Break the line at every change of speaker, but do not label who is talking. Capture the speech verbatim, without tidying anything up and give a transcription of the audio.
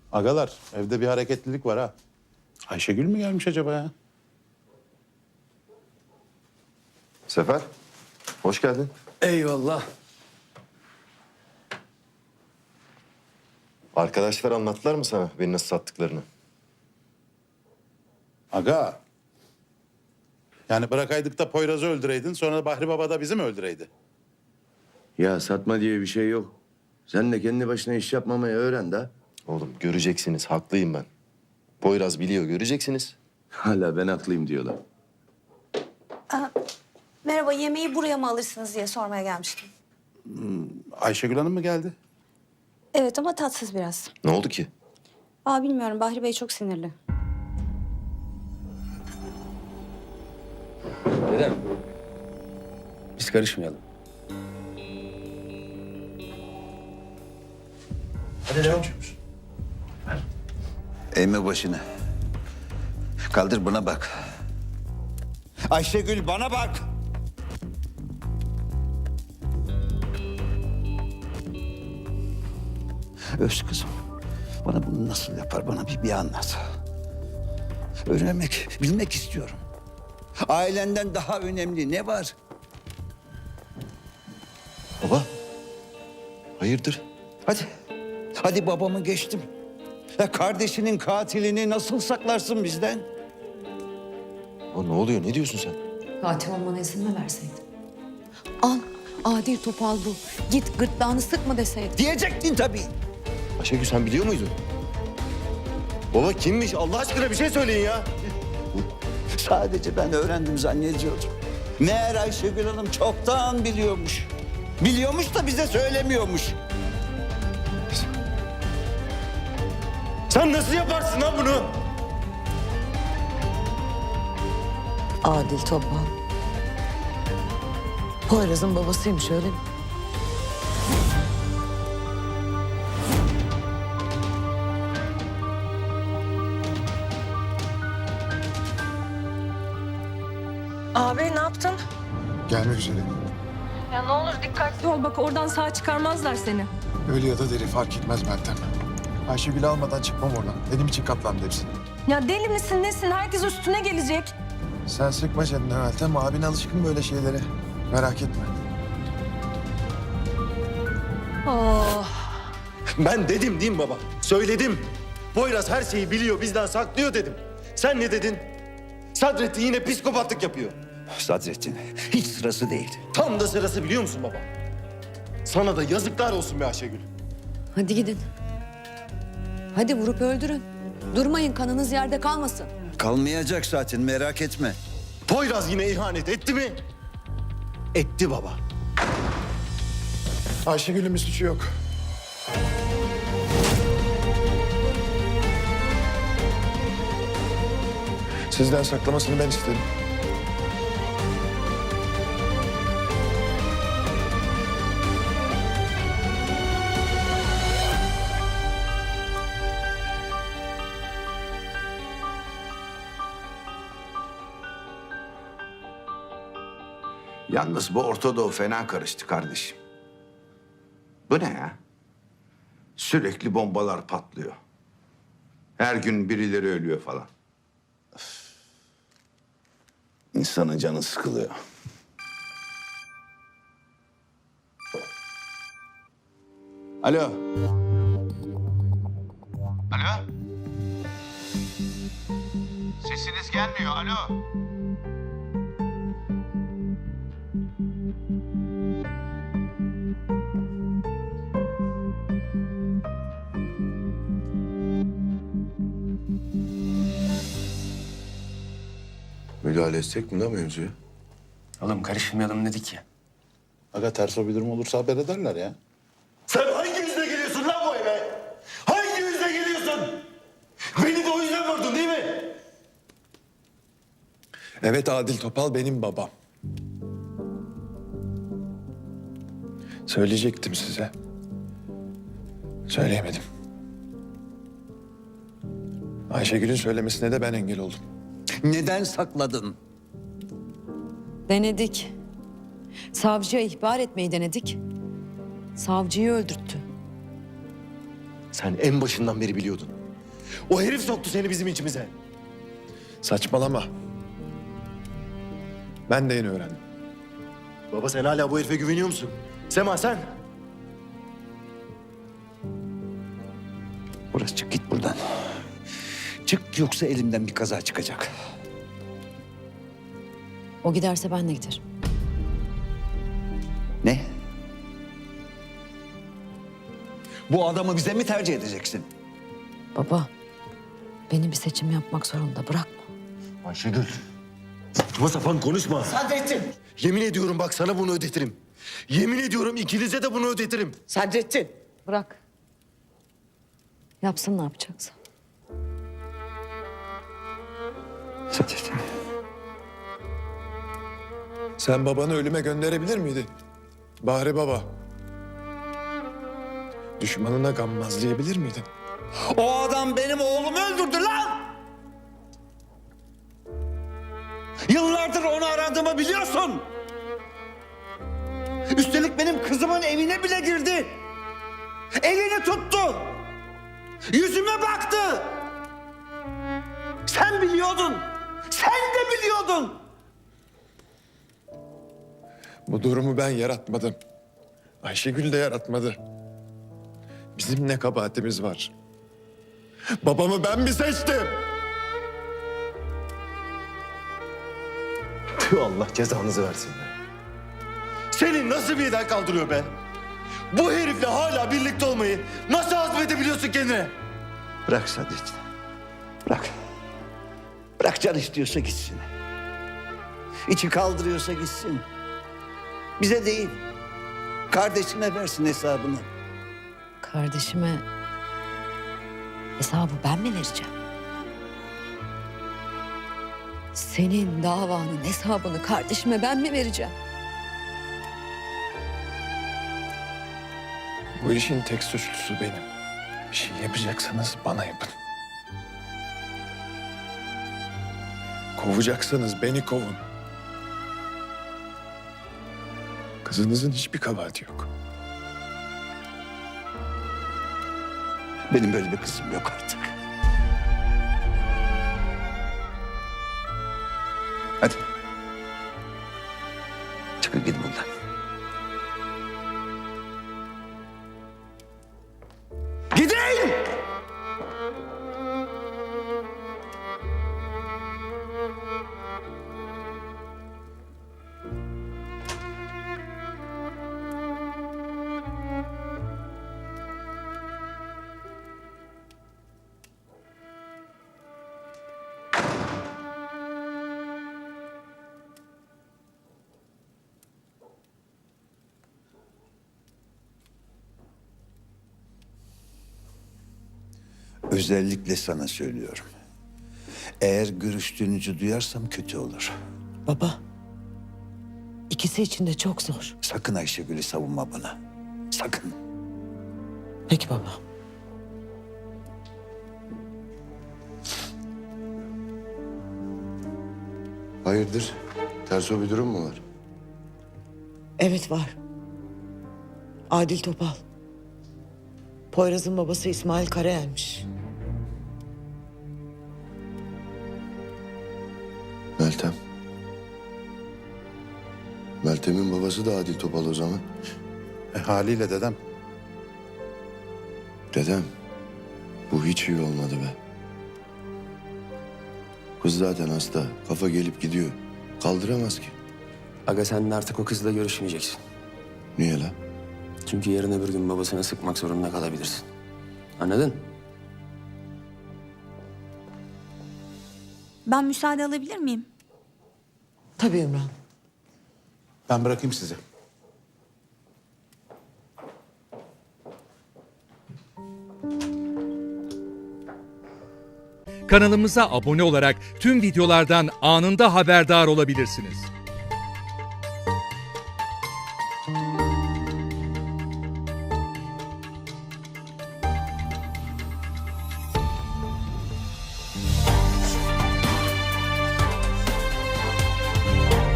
Agalar, evde bir hareketlilik var ha. Ayşegül mü gelmiş acaba ya?
Sefer, hoş geldin.
Eyvallah.
Arkadaşlar anlattılar mı sana beni nasıl sattıklarını?
Aga. Yani bırakaydık da Poyraz'ı öldüreydin, sonra Bahri Baba da bizi mi öldüreydi?
Ya satma diye bir şey yok. Sen de kendi başına iş yapmamayı öğren de.
Oğlum göreceksiniz, haklıyım ben. Poyraz biliyor, göreceksiniz.
Hala ben haklıyım diyorlar.
Merhaba, yemeği buraya mı alırsınız diye sormaya gelmiştim.
Ayşegül Hanım mı geldi?
Evet ama tatsız biraz.
Ne oldu ki?
Aa bilmiyorum, Bahri Bey çok sinirli.
Dedem, biz karışmayalım.
Eğme başını. Kaldır buna bak. Ayşegül bana bak. Öz kızım. Bana bunu nasıl yapar? Bana bir, bir anlat. Öğrenmek, bilmek istiyorum. Ailenden daha önemli ne var?
Baba, hayırdır?
Hadi. Hadi babamı geçtim. Ya kardeşinin katilini nasıl saklarsın bizden?
Baba ne oluyor, ne diyorsun sen?
Katil olmana izin mi verseydin? Al, adil topal bu. Git gırtlağını sıkma deseydin.
Diyecektin tabii.
Ayşegül sen biliyor muydun? Baba kimmiş? Allah aşkına bir şey söyleyin ya.
Sadece ben öğrendim zannediyordum. Meğer Ayşegül Hanım çoktan biliyormuş. Biliyormuş da bize söylemiyormuş.
Sen nasıl yaparsın lan bunu?
Adil topal. Poyraz'ın babasıymış öyle mi?
Abi ne yaptın?
Gelmek üzere.
Ya ne olur dikkatli ol bak oradan sağ çıkarmazlar seni.
Ölü ya da deri fark etmez Meltem. Ayşegül'ü almadan çıkmam oradan. Benim için katlandı hepsi.
Ya deli misin nesin? Herkes üstüne gelecek.
Sen sıkma canını Meltem. Abin alışkın böyle şeylere. Merak etme.
Oh.
Ben dedim değil mi baba? Söyledim. Poyraz her şeyi biliyor, bizden saklıyor dedim. Sen ne dedin? Sadrettin yine psikopatlık yapıyor.
Sadrettin, hiç sırası değil.
Tam da sırası biliyor musun baba? Sana da yazıklar olsun be Ayşegül.
Hadi gidin. Hadi vurup öldürün. Durmayın, kanınız yerde kalmasın.
Kalmayacak zaten, merak etme.
Poyraz yine ihanet etti mi? Etti baba.
Ayşegül'ün bir suçu yok. Sizden saklamasını ben istedim.
Yalnız bu Ortadoğu fena karıştı kardeşim. Bu ne ya? Sürekli bombalar patlıyor. Her gün birileri ölüyor falan. İnsanın canı sıkılıyor. Alo. Alo. Sesiniz gelmiyor. Alo.
Müdahale etsek mi lan mevzuya?
Oğlum karışmayalım dedik ya.
Aga ters o bir durum olursa haber ederler ya.
Sen hangi yüzle geliyorsun lan bu eve? Hangi yüzle geliyorsun? Beni de o yüzden vurdun değil mi?
Evet, Adil Topal benim babam. Söyleyecektim size. Söyleyemedim. Ayşegül'ün söylemesine de ben engel oldum.
Neden sakladın?
Denedik. Savcıya ihbar etmeyi denedik. Savcıyı öldürttü.
Sen en başından beri biliyordun. O herif soktu seni bizim içimize.
Saçmalama. Ben de yeni öğrendim.
Baba sen hala bu herife güveniyor musun? Sema sen?
Burası çık git buradan. Çık yoksa elimden bir kaza çıkacak.
O giderse ben de giderim.
Ne? Bu adamı bize mi tercih edeceksin?
Baba, beni bir seçim yapmak zorunda bırakma.
Ayşegül. Saçma sapan konuşma.
Sadrettin!
Yemin ediyorum bak sana bunu ödetirim. Yemin ediyorum ikinize de bunu ödetirim.
Sadrettin!
Bırak. Yapsın ne yapacaksa.
Sadrettin.
Sen babanı ölüme gönderebilir miydin? Bahri baba. Düşmanına gammazlayabilir miydin?
O adam benim oğlumu öldürdü lan! Yıllardır onu aradığımı biliyorsun. Üstelik benim kızımın evine bile girdi. Elini tuttu. Yüzüme baktı. Sen biliyordun. Sen de biliyordun.
Bu durumu ben yaratmadım. Ayşegül de yaratmadı. Bizim ne kabahatimiz var? Babamı ben mi seçtim?
Tüh Allah cezanızı versin be. Seni nasıl bir eden kaldırıyor be? Bu herifle hala birlikte olmayı nasıl hazmedebiliyorsun kendine?
Bırak Sadrettin. Bırak. Bırak can istiyorsa gitsin. İçi kaldırıyorsa gitsin. Bize değil. Kardeşine versin hesabını.
Kardeşime hesabı ben mi vereceğim? Senin davanın hesabını kardeşime ben mi vereceğim?
Bu işin tek suçlusu benim. Bir şey yapacaksanız bana yapın. Kovacaksanız beni kovun. Kızınızın hiçbir kabahati yok.
Benim böyle bir kızım yok artık. Hadi. Çıkın gidin buradan. Gidin! Özellikle sana söylüyorum. Eğer görüştüğünüzü duyarsam kötü olur.
Baba, ikisi için de çok zor.
Sakın Ayşegül'ü savunma bana. Sakın.
Peki baba.
Hayırdır? Ters o bir durum mu var?
Evet var. Adil Topal. Poyraz'ın babası İsmail Karayel'miş.
Meltem. Meltem'in babası da Adil Topal o zaman.
E, haliyle dedem.
Dedem, bu hiç iyi olmadı be. Kız zaten hasta, kafa gelip gidiyor. Kaldıramaz ki.
Aga sen de artık o kızla görüşmeyeceksin.
Niye lan?
Çünkü yarın öbür gün babasına sıkmak zorunda kalabilirsin. Anladın?
Ben müsaade alabilir miyim?
Tabii Ümran.
Ben bırakayım sizi.
Kanalımıza abone olarak tüm videolardan anında haberdar olabilirsiniz.